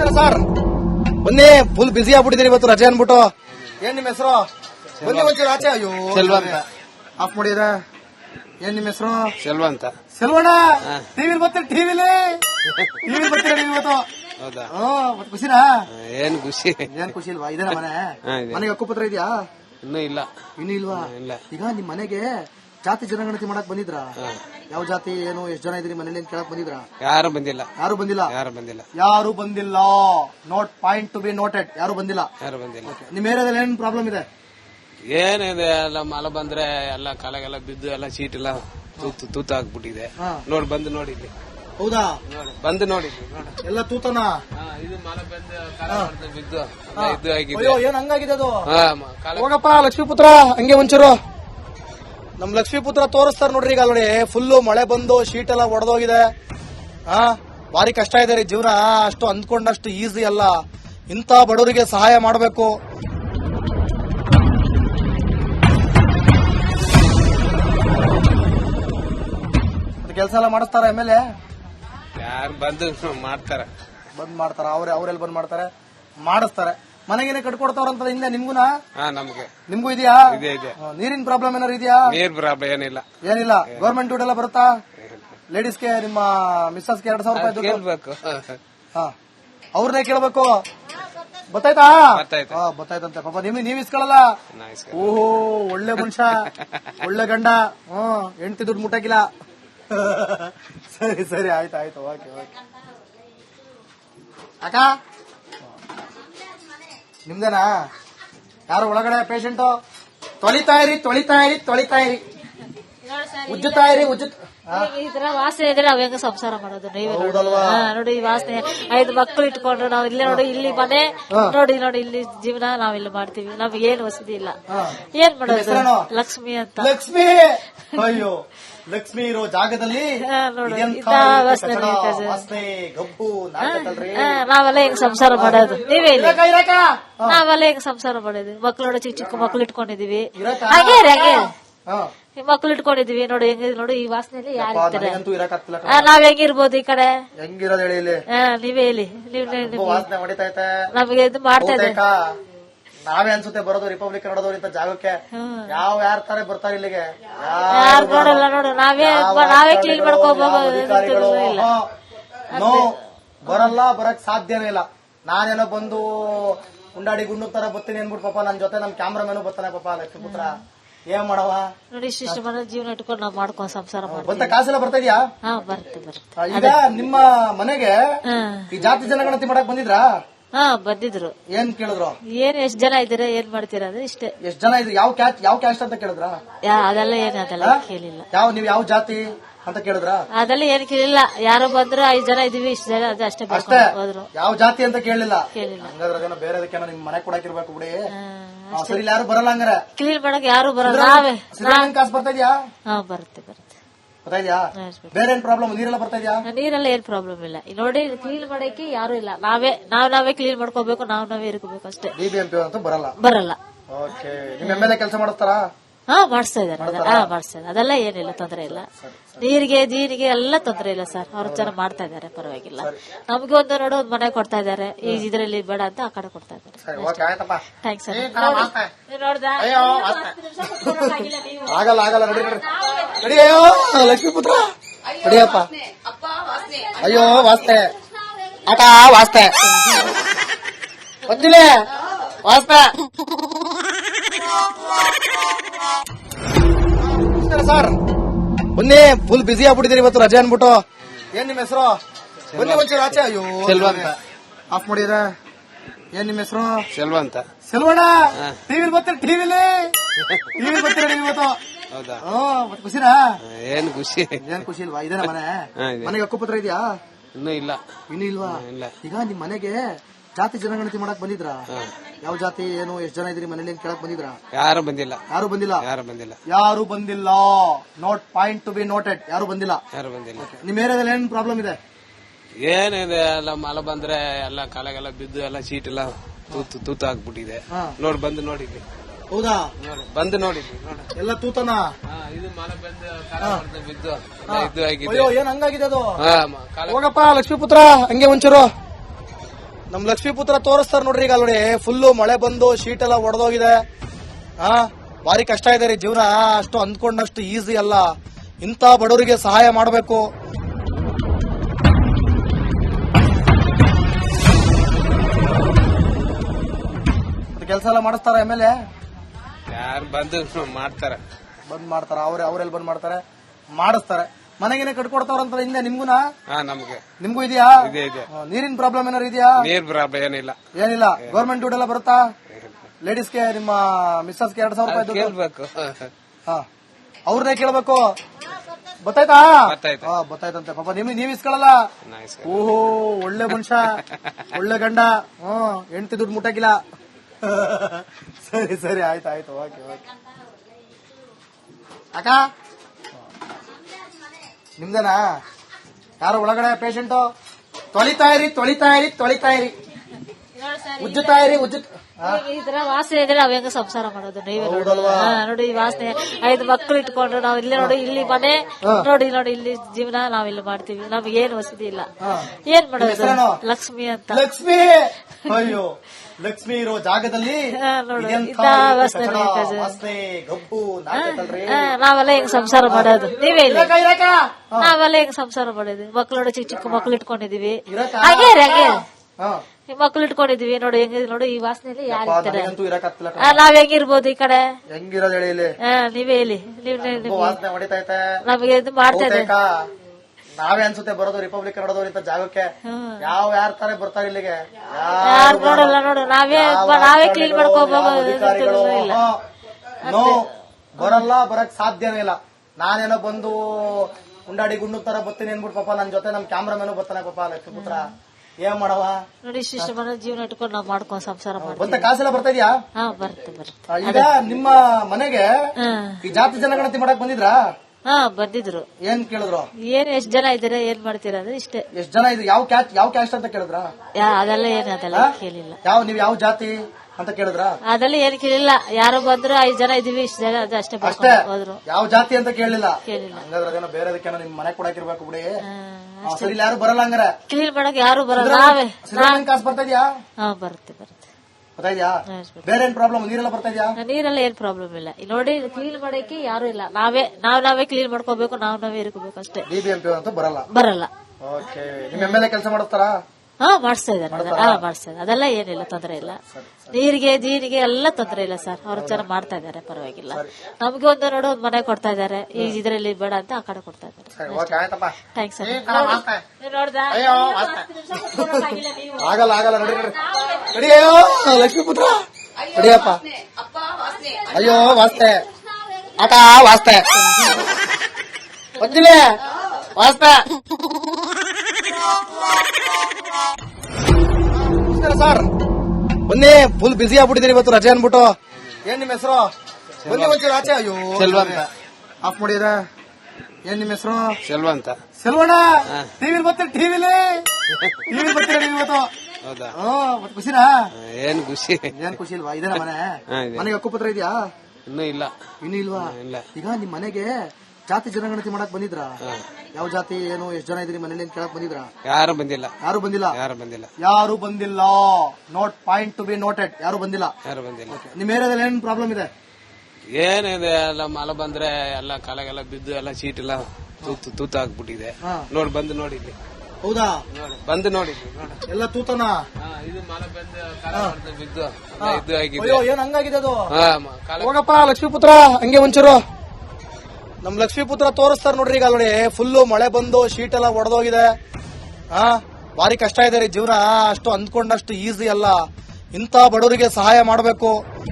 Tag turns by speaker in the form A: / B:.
A: Sir ಬನ್ನಿ, full ಬಿಸಿ ಆಗ್ಬಿಟ್ಟಿದ್ದೀರಿ ಇವತ್ತು ರಜೆ ಅನ್ಬಿಟ್ಟು. ಏನ್ ನಿಮ್ಮ ಹೆಸರು? ಬನ್ನಿ ಒಂಚೂರು ಆಚೆ. ಅಯ್ಯೋ
B: ಸೆಲ್ವ ಅಂತ
A: ಆಫ್ ಮಾಡಿದ. ಏನ್ ನಿಮ್ಮ ಹೆಸರು?
B: ಸೆಲ್ವ ಅಂತ.
A: ಸೆಲ್ವಣ್ಣ ಟಿವಿಲಿ ಬರ್ತೀರಿ? ಟಿವಿಲಿ ಬರ್ತೀರ ನೀವು ಇವತ್ತು?
B: ಹೌದಾ?
A: ಮತ್ತೆ ಖುಷಿನಾ?
B: ಏನ್ ಖುಷಿ?
A: ಏನ್ ಖುಷಿ ಇಲ್ವಾ? ಇದೇನ ಮನೆ? ಮನೆಗೆ ಹಕ್ಕುಪತ್ರ ಇದೆಯಾ?
B: ಇನ್ನೂ ಇಲ್ಲ.
A: ಇನ್ನೂ ಇಲ್ವಾ?
B: ಇಲ್ಲ.
A: ಈಗ ನಿಮ್ ಮನೆಗೆ ಜಾತಿ ಜನಗಣತಿ ಮಾಡಕ್ ಬಂದಿದ್ರ? ಯಾವ ಜಾತಿ ಏನು ಎಷ್ಟು ಜನ ಇದ್ರಿ ಮನೇಲಿ ಕೇಳಕ್ ಬಂದಿದ್ರ?
B: ಯಾರು ಬಂದಿಲ್ಲ.
A: ಯಾರು ಬಂದಿಲ್ಲ. ಯಾರು ಬಂದಿಲ್ಲ. Note point to be noted. ಯಾರು ಬಂದಿಲ್ಲ. ನಿಮ್ ಏರಿಯಾದಲ್ಲಿ ಏನ್ ಪ್ರಾಬ್ಲಮ್ ಇದೆ?
B: ಏನಿದೆ, ಎಲ್ಲ ಮಳೆ ಬಂದ್ರೆ ಎಲ್ಲ ಕಾಲಾಗೆಲ್ಲ ಬಿದ್ದು ಎಲ್ಲ ಸೀಟ್ ಎಲ್ಲ ತೂತ ಹಾಕ್ಬಿಟ್ಟಿದೆ. ನೋಡಿ ಬಂದು ನೋಡಿ.
A: ಹೌದಾ?
B: ಬಂದು ನೋಡಿ
A: ಎಲ್ಲ ತೂತನ.
B: ಇದು ಮಳೆ ಬಂದು ಬಿದ್ದು ಇದು ಆಗಿದೆ.
A: ಅಯ್ಯೋ ಏನ್ ಹಂಗಾಗಿದೆ ಅದು? ಹೋಗಪ್ಪ ಲಕ್ಷ್ಮೀಪುತ್ರ, ಹಂಗೆ ಒಂಚೂರು. ನಮ್ ಲಕ್ಷ್ಮೀಪುತ್ರ ತೋರಿಸ್ತಾರೆ ನೋಡ್ರಿ. ಈಗ ನೋಡಿ ಫುಲ್ಲು ಮಳೆ ಬಂದು ಶೀಟ್ ಎಲ್ಲ ಒಡೆದೋಗಿದೆ. ಭಾರಿ ಕಷ್ಟ ಇದೆ ರೀ ಜೀವನ. ಅಷ್ಟು ಅಂದ್ಕೊಂಡಷ್ಟು ಈಸಿ ಅಲ್ಲ. ಇಂಥ ಬಡವರಿಗೆ ಸಹಾಯ ಮಾಡಬೇಕು. ಕೆಲಸ ಎಲ್ಲ ಮಾಡಿಸ್ತಾರ ಎಮ್ಮೆಲ್ಯೆ?
B: ಯಾರು ಬಂದು ಮಾಡ್ತಾರ?
A: ಬಂದ್ ಮಾಡ್ತಾರ? ಅವ್ರೆಲ್ಲಿ ಬಂದ್ ಮಾಡ್ತಾರೆ? ಮಾಡಿಸ್ತಾರೆ. ಮನೆಗೇನೆ ಕಟ್ಕೊಡ್ತಾವ್ರಂತ ಹಿಂದೆ ನಿಮ್ಗುನಾ?
B: ನಮ್ಗೆ ನಿಮ್ಗೂ
A: ಇದೆಯಾ?
B: ಇದೆ.
A: ನೀರಿನ ಪ್ರಾಬ್ಲಮ್ ಏನಾರು ಇದೆಯಾ?
B: ನೀರ್ ಪ್ರಾಬ್ಲಮ್ ಏನಿಲ್ಲ.
A: ಗವರ್ಮೆಂಟ್ ದುಡ್ಡು ಎಲ್ಲ ಬರುತ್ತಾ ಲೇಡೀಸ್ಗೆ? ನಿಮ್ಮ ಮಿಸ್ಸಸ್ಗೆ 2,000 ರೂಪಾಯಿ ದುಡ್ಡು
B: ಕೇಳ್ಬೇಕು.
A: ಅವ್ರನ್ನೇ ಕೇಳ್ಬೇಕು. ಗೊತ್ತಾಯ್ತಾ? ಗೊತ್ತಾಯ್ತಂತೆ. ಪಾಪ ನೀವ್ ಇಸ್ಕೊಳಲ್ಲ. ಓಹೋ, ಒಳ್ಳೆ ಮನುಷ್ಯ, ಒಳ್ಳೆ ಗಂಡ. ಹೆಂಡತಿ ದುಡ್ಡು ಮುಟ್ಟಕಿಲ್ಲ. ಸರಿ ಸರಿ, ಆಯ್ತು. ಓಕೆ. ಅಕ್ಕ ನಿಮ್ದೇನಾ? ಯಾರು ಒಳಗಡೆ ಪೇಷಂಟು? ತೊಳಿತಾ ಇರಿ. ಉಜ್ಜುತ್ತಾ ಇರಿ.
C: ಈ ತರ ವಾಸನೆ ಇದ್ರೆ ನಾವ್ ಹೆಂಗ ಸಂಸಾರ ಮಾಡೋದು? ನೀವೇ ನೋಡಿ, ಈ ವಾಸನೆ. 5 ಮಕ್ಕಳು ಇಟ್ಕೊಂಡ್ರು ನಾವ್ ಇಲ್ಲೇ ನೋಡಿ. ಇಲ್ಲಿ ಮನೆ ನೋಡಿ, ಇಲ್ಲಿ ಜೀವನ ನಾವ್ ಇಲ್ಲಿ ಮಾಡ್ತೀವಿ. ನಮ್ಗೆ ಏನ್ ವಸತಿ ಇಲ್ಲ. ಏನ್ ಮಾಡೋದು? ಲಕ್ಷ್ಮಿ ಅಂತ.
A: ಲಕ್ಷ್ಮಿ? ಅಯ್ಯೋ, ಲಕ್ಷ್ಮಿ ಇರೋ ಜಾಗದಲ್ಲಿ
C: ನಾವೆಲ್ಲ ಹೆಂಗ್ ಸಂಸಾರ ಮಾಡೋದು? ನೀವೇ ಇಲ್ಲ. ನಾವೆಲ್ಲ ಹೆಂಗ್ ಸಂಸಾರ ಮಾಡೋದು? ಮಕ್ಳು ಚಿಕ್ಕ ಮಕ್ಳು ಇಟ್ಕೊಂಡಿದೀವಿ. ಹಾಗೆ ಮಕ್ಳು ಇಟ್ಕೊಂಡಿದೀವಿ ನೋಡಿ. ಹೆಂಗಿದ್ ನೋಡಿ, ಈ ವಾಸನೆಯಲ್ಲಿ ಯಾರು ಇರ್ತಾರೆ? ನಾವ್ ಹೆಂಗಿರ್ಬೋದು ಈ ಕಡೆ? ನೀವೇ ಹೇಳಿ. ನಮ್ಗೆ ಇದು ಮಾಡ್ತಾ ಇದ್ದೀವಿ.
A: ನಾವೇ ಅನ್ಸುತ್ತೆ ಬರೋದು ರಿಪಬ್ಲಿಕ್ ಕನ್ನಡದವ್ರಿಂದ ಜಾಗಕ್ಕೆ. ಯಾರ ತರ ಬರ್ತಾರೆ ಇಲ್ಲಿಗೆ?
C: ಯಾರು ನೋಡಲ್ಲ ನೋಡು. ನಾವೇ ಕ್ಲೀನ್ ಮಾಡ್ಕೋಬಹುದು.
A: ಬರಲ್ಲ, ಬರಕ್ ಸಾಧ್ಯನೇ ಇಲ್ಲ. ನಾನೇನೋ ಬಂದು ಉಂಡಾಡಿ ಗುಂಡು ತರ ಬರ್ತೀನಿ ಅನ್ಬಿಟ್ಟು ಪಾಪ ನನ್ ಜೊತೆ ನಮ್ ಕ್ಯಾಮ್ರಾಮೇನು ಬರ್ತಾನೆ ಪಾಪ ಲಕ್ಷ್ಮೀಪುತ್ರ. ಏನ್ ಮಾಡವ
C: ನೋಡಿ? ಇಷ್ಟು ಮನೆ ಜೀವನ ಇಟ್ಕೊಂಡು ನಾವ್ ಮಾಡ್ಕೊಂಡ್ ಸಂಸಾರ
A: ಬಂತ. ಕಾಸೆಲ್ಲ ಬರ್ತಾ ಇದೆಯಾ?
C: ಬರುತ್ತೆ.
A: ಈಗ ನಿಮ್ಮ ಮನೆಗೆ ಈ ಜಾತಿ ಜನಗಣತಿ ಮಾಡಕ್ ಬಂದಿದ್ರಾ?
C: ಬಂದಿದ್ರು.
A: ಏನ್ ಕೇಳಿದ್ರು?
C: ಎಷ್ಟ್ ಜನ ಇದ್ದೀರಾ, ಏನ್ ಮಾಡ್ತೀರಾ ಅಂದ್ರೆ ಇಷ್ಟೇ.
A: ಎಷ್ಟ್ ಜನ ಇದ್ರು? ಯಾವ ಕ್ಯಾಸ್ಟ್ ಅಂತ ಕೇಳಿದ್ರ?
C: ಅದೆಲ್ಲ ಅದೆಲ್ಲ ಕೇಳಿಲ್ಲ.
A: ನೀವ್ ಯಾವ ಜಾತಿ ಅಂತ ಕೇಳಿದ್ರ?
C: ಅದೆಲ್ಲ ಏನ್ ಕೇಳಿಲ್ಲ. ಯಾರೋ ಬಂದ್ರು 5 ಜನ ಇದೀವಿ, ಇಷ್ಟು ಜನ ಅಷ್ಟೇ ಹೋದ್ರು.
A: ಯಾವ ಜಾತಿ ಅಂತ ಕೇಳಿಲ್ಲ.
C: ಕೇಳಿಲ್ಲ.
A: ಬೇರೆದಕ್ಕೆ ನಿಮ್ ಮನೆ ಕೊಡಾಕಿರ್ಬೇಕು ಬಿಡಿ. ಸರಿ, ಯಾರು ಬರಲ್ಲ ಹಂಗಾರೆ?
C: ಕ್ಲೀನ್ ಮಾಡಕ್ ಯಾರು ಬರಲ್ಲ. ನಾವೇ.
A: ಕಾಸು ಬರ್ತಾ ಇದೆಯಾ?
C: ಬರುತ್ತೆ.
A: ಬರ್ತಾ ಇದೆಯಾ? ಬೇರೆ ಏನ್ ಪ್ರಾಬ್ಲಮ್? ನೀರೆಲ್ಲ ಬರ್ತಾ ಇದೆಯಾ?
C: ನೀರೆಲ್ಲ ಏನ್ ಪ್ರಾಬ್ಲಮ್ ಇಲ್ಲ. ನೋಡಿ, ಕ್ಲೀನ್ ಮಾಡಕ್ಕೆ ಯಾರು ಇಲ್ಲ. ನಾವೇ ಕ್ಲೀನ್ ಮಾಡ್ಕೋಬೇಕು. ನಾವೇ ಇರ್ಕೋಬೇಕು ಅಷ್ಟೇ.
A: BBMP ಅಂತೂ ಬರಲ್ಲ. ಓಕೆ. ನಿಮ್ MLA ಕೆಲಸ ಮಾಡಿಸ್ತಾರಾ?
C: ಮಾಡಿಸ್ತಾ ಇದಾರೆ. ಅದೆಲ್ಲ ಏನಿಲ್ಲ, ತೊಂದರೆ ಇಲ್ಲ. ನೀರಿಗೆ ಎಲ್ಲ ತೊಂದರೆ ಇಲ್ಲ ಸರ್. ಅವ್ರು ಚೆನ್ನಾಗಿ ಮಾಡ್ತಾ ಇದಾರೆ, ಪರವಾಗಿಲ್ಲ. ನಮ್ಗೆ ಒಂದು ಮನೆ ಕೊಡ್ತಾ ಇದಾರೆ. ಈ ಇದ್ರಲ್ಲಿ ಬೇಡ ಅಂತ ಆ ಕಡೆ ಕೊಡ್ತಾ ಇದಾರೆ. Thanks sir.
A: ಆಗಲ್ಲ. ನಡಿ. ಅಯ್ಯೋ ಲಕ್ಷ್ಮೀಪುತ್ರ, ನಡಿಯಪ್ಪ. ಅಯ್ಯೋ ವಾಸ್ತೆ ಆಟ ವಾಸ್ತೆ ಬಂದಿಲ್ಲ ವಾಸ್ತೆ. ಸರ್ ಬನ್ನಿ, ಫುಲ್ ಬಿಸಿ ಆಗ್ಬಿಟ್ಟಿದ್ದೀರಿ ಇವತ್ತು ರಜೆ ಅನ್ಬಿಟ್ಟು. ಏನ್ ನಿಮ್ಮ ಹೆಸರು? ಬನ್ನಿ ಒಂಚೂರು ಆಚೆ. ಅಯ್ಯೋ
B: ಸೆಲ್ವ ಅಂತ.
A: ಆಫ್ ಮಾಡಿದ. ಏನ್ ನಿಮ್ಮ ಹೆಸರು?
B: ಸೆಲ್ವ ಅಂತ.
A: ಸೆಲ್ವಣ್ಣ ಟಿವಿಲಿ ಬರ್ತೀರಿ? ಟಿವಿಲಿ ಬರ್ತೀರ ನೀವು ಇವತ್ತು?
B: ಹೌದಾ?
A: ಖುಷಿನಾ?
B: ಏನ್ ಖುಷಿ?
A: ಇಲ್ವಾ? ಇದೇನ ಮನೆಗೆ ಹಕ್ಕುಪತ್ರ ಇದೆಯಾ?
B: ಇನ್ನೂ ಇಲ್ಲ.
A: ಇನ್ನೂ ಇಲ್ವಾ? ಈಗ ನಿಮ್ ಮನೆಗೆ ಜಾತಿ ಜನಗಣತಿ ಮಾಡಕ್ ಬಂದಿದ್ರ? ಯಾವ ಜಾತಿ ಏನು ಎಷ್ಟು ಜನ ಇದ್ರಿ ಮನೇಲಿ ಕೇಳಕ್ ಬಂದಿದ್ರ?
B: ಯಾರು ಬಂದಿಲ್ಲ.
A: ಯಾರು ಬಂದಿಲ್ಲ. Note point to be noted. ಯಾರು ಬಂದಿಲ್ಲ. ನಿಮ್ ಏರಿಯಾದಲ್ಲಿ ಏನ್ ಪ್ರಾಬ್ಲಮ್ ಇದೆ?
B: ಏನಿದೆ, ಎಲ್ಲ ಮಳೆ ಬಂದ್ರೆ ಎಲ್ಲ ಕಾಲಾಗೆಲ್ಲ ಬಿದ್ದು ಎಲ್ಲ ಸೀಟ್ ಎಲ್ಲ ತೂತ ಹಾಕ್ಬಿಟ್ಟಿದೆ. ನೋಡಿ ಬಂದು ನೋಡಿ.
A: ಹೌದಾ?
B: ಬಂದು ನೋಡಿ.
A: ಎಲ್ಲ ತೂತನ.
B: ಇದು ಮಳೆ ಬಂದು ಬಿದ್ದು ಇದು ಆಗಿದೆ.
A: ಏನ್ ಹಂಗಾಗಿದೆ ಅದು? ಹೋಗಪ್ಪ ಲಕ್ಷ್ಮೀಪುತ್ರ, ಹಂಗೆ ಒಂಚೂರು. ನಮ್ ಲಕ್ಷ್ಮೀಪುತ್ರ ತೋರಿಸ್ತಾರ ನೋಡ್ರಿ ಈಗ ನೋಡಿ ಫುಲ್ಲು ಮಳೆ ಬಂದು ಶೀಟ್ ಎಲ್ಲ ಒಡೆದೋಗಿದೆ. ಭಾರಿ ಕಷ್ಟ ಇದೆ ರೀ ಜೀವನ. ಅಷ್ಟು ಅಂದ್ಕೊಂಡಷ್ಟು ಈಸಿ ಅಲ್ಲ. ಇಂಥ ಬಡವರಿಗೆ ಸಹಾಯ ಮಾಡಬೇಕು. ಕೆಲಸ ಎಲ್ಲ ಮಾಡಿಸ್ತಾರ ಎಮ್ಮೆಲ್ಯೆ?
B: ಯಾರು ಬಂದು ಮಾಡ್ತಾರ?
A: ಬಂದ್ ಮಾಡ್ತಾರ? ಅವ್ರೆಲ್ಲಿ ಬಂದ್ ಮಾಡ್ತಾರೆ? ಮಾಡಿಸ್ತಾರೆ. ಮನೆಗೇನೆ ಕಟ್ಕೊಡ್ತಾವ್ರಂತ ಹಿಂದೆ ನಿಮ್ಗುನಾ?
B: ನಮ್ಗೆ
A: ನಿಮ್ಗೂ ಇದೆಯಾ?
B: ಇದೆ.
A: ನೀರಿನ ಪ್ರಾಬ್ಲಮ್ ಏನಾರು ಇದೆಯಾ?
B: ನೀರ್ ಪ್ರಾಬ್ಲಮ್ ಏನಿಲ್ಲ.
A: ಗೌರ್ಮೆಂಟ್ ದುಡ್ಡೆಲ್ಲ ಬರುತ್ತಾ? ಲೇಡೀಸ್ಗೆ ನಿಮ್ಮ ಮಿಸ್ಸಸ್ಗೆ 2,000 ರೂಪಾಯಿ ದುಡ್ಡು
B: ಕೇಳ್ಬೇಕು.
A: ಅವ್ರನ್ನೇ ಕೇಳ್ಬೇಕು. ಗೊತ್ತಾಯ್ತಾ? ಗೊತ್ತಾಯ್ತಂತೆ. ಪಾಪ ನೀವ್ ಇಸ್ಕೊಳಲ್ಲ. ಓಹೋ, ಒಳ್ಳೆ ಮನುಷ್ಯ, ಒಳ್ಳೆ ಗಂಡ. ಹೆಂಡತಿ ದುಡ್ಡು ಮುಟ್ಟಕಿಲ್ಲ. ಸರಿ ಸರಿ, ಆಯ್ತು. ಓಕೆ. ಅಕ್ಕ ನಿಮ್ದೇನಾ? ಯಾರು ಒಳಗಡೆ ಪೇಷಂಟು? ತೊಳಿತಾ ಇರಿ ಉಜ್ಜುತ್ತಾ ಇರಿ.
C: ಈ ತರ ವಾಸನೆ ಇದ್ರೆ ನಾವ್ ಹೆಂಗ ಸಂಸಾರ ಮಾಡೋದು? ನೀವೇ ನೋಡಿ, ಈ ವಾಸನೆ. 5 ಮಕ್ಳು ಇಟ್ಕೊಂಡ್ರು ನಾವ್ ಇಲ್ಲಿ ನೋಡಿ, ಇಲ್ಲಿ ಮನೆ ನೋಡಿ, ಇಲ್ಲಿ ಜೀವನ ನಾವ್ ಇಲ್ಲಿ ಮಾಡ್ತೀವಿ. ನಮ್ಗೆ ಏನ್ ವಸತಿ ಇಲ್ಲ. ಏನ್ ಮಾಡೋದು? ಲಕ್ಷ್ಮಿ ಅಂತ.
A: ಲಕ್ಷ್ಮಿ? ಅಯ್ಯೋ, ಲಕ್ಷ್ಮಿ ಇರೋ ಜಾಗದಲ್ಲಿ
C: ನಾವೆಲ್ಲ ಹೆಂಗ್ ಸಂಸಾರ ಮಾಡೋದು? ನೀವೇ ಇಲ್ಲ. ನಾವೆಲ್ಲ ಹೆಂಗ್ ಸಂಸಾರ ಮಾಡೋದು? ಮಕ್ಳು ಚಿಕ್ಕ ಮಕ್ಳು ಇಟ್ಕೊಂಡಿದೀವಿ. ಹಾಗೆ ಮಕ್ಳು ಇಟ್ಕೊಂಡಿದೀವಿ ನೋಡಿ, ನೋಡಿ ಈ ವಾಸನೆಯಲ್ಲಿ ಯಾರು ಇರ್ತಾರೆ? ನಾವ್ ಹೆಂಗಿರ್ಬೋದು ಈ ಕಡೆ? ನೀವೇ ಹೇಳಿ. ನಮಗೆ ಇದು ಮಾಡ್ತಾ ಇದೆ.
A: ನಾವೇ ಅನ್ಸುತ್ತೆ ಬರೋದು ರಿಪಬ್ಲಿಕ್ ಕನ್ನಡದವ್ರು ಇಂತ ಜಾಗಕ್ಕೆ. ಯಾರ ತರ ಬರ್ತಾರೆ ಇಲ್ಲಿಗೆ?
C: ಯಾರು ನೋಡಲ್ಲ ನೋಡು. ನಾವೇ ಕ್ಲೀನ್ ಮಾಡ್ಕೋಬಹುದು.
A: ಬರಲ್ಲ, ಬರಕ್ ಸಾಧ್ಯನೇ ಇಲ್ಲ. ನಾನೇನೋ ಬಂದು ಉಂಡಾಡಿ ಗುಂಡು ತರ ಬರ್ತೀನಿ ಅನ್ಬಿಟ್ಟು ಪಾಪ ನನ್ ಜೊತೆ ನಮ್ ಕ್ಯಾಮ್ರಾಮನ್ ಬರ್ತಾನೆ ಪಾಪ ಲಕ್ಷ್ಮೀಪುತ್ರ. ಏನ್ ಮಾಡವ
C: ನೋಡಿ, ಇಷ್ಟು ಮನೆ ಜೀವನ ಇಟ್ಕೊಂಡು ನಾವ್ ಮಾಡ್ಕೊಂಡ್ ಸಂಸಾರ
A: ಬಂತ. ಕಾಸೆಲ್ಲ ಬರ್ತಾ ಇದೆಯಾ?
C: ಬರುತ್ತೆ.
A: ಈಗ ನಿಮ್ಮ ಮನೆಗೆ ಈ ಜಾತಿ ಜನಗಣತಿ ಮಾಡಕ್ ಬಂದಿದ್ರಾ?
C: ಬಂದಿದ್ರು.
A: ಏನ್ ಕೇಳಿದ್ರು?
C: ಎಷ್ಟ್ ಜನ ಇದಾರೆ, ಏನ್ ಮಾಡ್ತೀರಾ ಅಂದ್ರೆ ಇಷ್ಟೇ.
A: ಎಷ್ಟ್ ಜನ ಇದ್ರು? ಯಾವ ಕ್ಯಾಸ್ಟ್ ಅಂತ ಕೇಳಿದ್ರ?
C: ಅದೆಲ್ಲ ಕೇಳಿಲ್ಲ.
A: ನೀವ್ ಯಾವ ಜಾತಿ ಅಂತ ಕೇಳಿದ್ರ?
C: ಅದೆಲ್ಲ ಏನ್ ಕೇಳಿಲ್ಲ. ಯಾರು ಬಂದ್ರು 5 ಜನ ಇದೀವಿ, ಇಷ್ಟು ಜನ ಅಷ್ಟೇ ಹೋದ್ರು.
A: ಯಾವ ಜಾತಿ ಅಂತ ಕೇಳಿಲ್ಲ.
C: ಹಂಗಾದ್ರೆ
A: ಅದೇನೋ ಬೇರೆದಕ್ಕೇನೋ ನಿಮ್ ಮನೆ ಕೊಡಾಕಿರ್ಬೇಕು ಬಿಡಿ. ಸರಿ, ಯಾರು ಬರಲ್ಲ ಹಂಗಾರೆ?
C: ಕ್ಲೀನ್ ಮಾಡಕ್ ಯಾರು ಬರಲ್ಲ. ನಾವೇ.
A: ಕಾಸು ಬರ್ತಾ ಇದೆಯಾ?
C: ಬರುತ್ತೆ.
A: ಗೊತ್ತಾಯ್ತಾ? ಬೇರೆ ಏನ್ ಪ್ರಾಬ್ಲಮ್? ನೀರೆಲ್ಲ ಬರ್ತಾ ಇದೆಯಾ?
C: ನೀರೆಲ್ಲ ಏನ್ ಪ್ರಾಬ್ಲಮ್ ಇಲ್ಲ. ನೋಡಿ, ಕ್ಲೀನ್ ಮಾಡಕ್ಕೆ ಯಾರು ಇಲ್ಲ. ನಾವೇ ಕ್ಲೀನ್ ಮಾಡ್ಕೋಬೇಕು, ನಾವೇ ಇರ್ಕೋಬೇಕು ಅಷ್ಟೇ.
A: BBMP ಅಂತೂ ಬರಲ್ಲ.
C: ಓಕೆ.
A: ನಿಮ್ MLA ಕೆಲಸ ಮಾಡಿಸ್ತಾರಾ?
C: ಮಾಡಿಸ್ತಾ ಇದ್ದಾರೆ. ಅದೆಲ್ಲ ಏನಿಲ್ಲ, ತೊಂದರೆ ಇಲ್ಲ. ನೀರಿಗೆ ಎಲ್ಲ ತೊಂದರೆ ಇಲ್ಲ ಸರ್. ಅವ್ರು ಚೆನ್ನಾಗಿ ಮಾಡ್ತಾ ಇದಾರೆ, ಪರವಾಗಿಲ್ಲ. ನಮ್ಗೆ ಒಂದು ನೋಡು, ಒಂದ್ ಮನೆ ಕೊಡ್ತಾ ಇದಾರೆ. ಈ ಇದ್ರಲ್ಲಿ ಬೇಡ ಅಂತ ಆ ಕಡೆ ಕೊಡ್ತಾ ಇದ್ದಾರೆ. Thanks sir.
A: ಆಗಲ್ಲ ನಡಿ. ಅಯ್ಯೋ ಲಕ್ಷ್ಮೀಪುತ್ರ, ನಡಿಯಪ್ಪ. ಅಯ್ಯೋ ವಾಸ್ತೆ ಅಕ್ಕ, ವಾಸ್ತೆ ಬಂದಿಲ್ಲ, ವಾಸ್ತೆ. ಸರ್ ಬನ್ನಿ, ಫುಲ್ ಬಿಸಿ ಆಗ್ಬಿಟ್ಟಿದ್ದೀರಿ ಇವತ್ತು, ರಜೆ ಅನ್ಬಿಟ್ಟು. ಏನ್ ನಿಮ್ ಹೆಸರು? ಬನ್ನಿ ಒಂಚೂರು ಆಚೆ. ಅಯ್ಯೋ,
B: ಸೆಲ್ವಂತ
A: ಆಫ್ ಮಾಡಿದ. ಏನ್ ನಿಮ್ ಹೆಸರು?
B: ಸೆಲ್ವಂತ.
A: ಸೆಲ್ವಣ್ಣ, ಟಿವಿಲಿ ಬರ್ತೀರಿ? ಟಿವಿಲಿ ಬರ್ತೀರಿ ಇವತ್ತು?
B: ಹೌದಾ?
A: ಖುಷಿನಾ?
B: ಏನ್ ಖುಷಿ
A: ಇಲ್ವಾ? ಇದೇನ ಮನೆ? ಮನೆಗೆ ಹಕ್ಕುಪತ್ರ ಇದೆಯಾ?
B: ಇನ್ನೂ ಇಲ್ಲ.
A: ಇನ್ನೂ ಇಲ್ವಾ? ಈಗ ನಿಮ್ ಮನೆಗೆ ಜಾತಿ ಜನಗಣತಿ ಮಾಡಕ್ ಬಂದಿದ್ರಾ? ಯಾವ ಜಾತಿ, ಏನು, ಎಷ್ಟ್ ಜನ ಇದ್ರಿ ಮನೇಲಿ ಕೇಳಕ್ ಬಂದಿದ್ರ?
B: ಯಾರು ಬಂದಿಲ್ಲ.
A: ಯಾರು ಬಂದಿಲ್ಲ. Note point to be noted. ಯಾರು ಬಂದಿಲ್ಲ. ನಿಮ್ ಏರಿಯಾದಲ್ಲಿ ಏನ್ ಪ್ರಾಬ್ಲಮ್ ಇದೆ?
B: ಏನಿದೆ, ಎಲ್ಲ ಮಳೆ ಬಂದ್ರೆ ಎಲ್ಲ ಕಾಲಾಗೆಲ್ಲ ಬಿದ್ದು ಎಲ್ಲ ಶೀಟ್ ಎಲ್ಲ ತೂತ ಆಗ್ಬಿಟ್ಟಿದೆ. ಬಂದು ನೋಡಿ.
A: ಹೌದಾ?
B: ಬಂದು ನೋಡಿ
A: ಎಲ್ಲ ತೂತನ.
B: ಇದು ಮಳೆ ಬಂದು ಬಿದ್ದು ಇದು ಆಗಿದೆ.
A: ಏನ್ ಹಂಗಾಗಿದೆ ಅದು? ಹೋಗಪ್ಪ ಲಕ್ಷ್ಮೀಪುತ್ರ, ಹಂಗೆ ಒಂಚೂರು. ನಮ್ ಲಕ್ಷ್ಮೀಪುತ್ರ ತೋರಿಸ್ತಾರ ನೋಡ್ರಿ ಈಗ ನೋಡಿ, ಫುಲ್ಲು ಮಳೆ ಬಂದು ಶೀಟ್ ಎಲ್ಲ ಒಡೆದೋಗಿದೆ. ಭಾರಿ ಕಷ್ಟ ಇದೆ ರೀ ಜೀವನ. ಅಷ್ಟು ಅಂದ್ಕೊಂಡಷ್ಟು ಈಸಿ ಅಲ್ಲ. ಇಂಥ ಬಡವರಿಗೆ ಸಹಾಯ ಮಾಡಬೇಕು.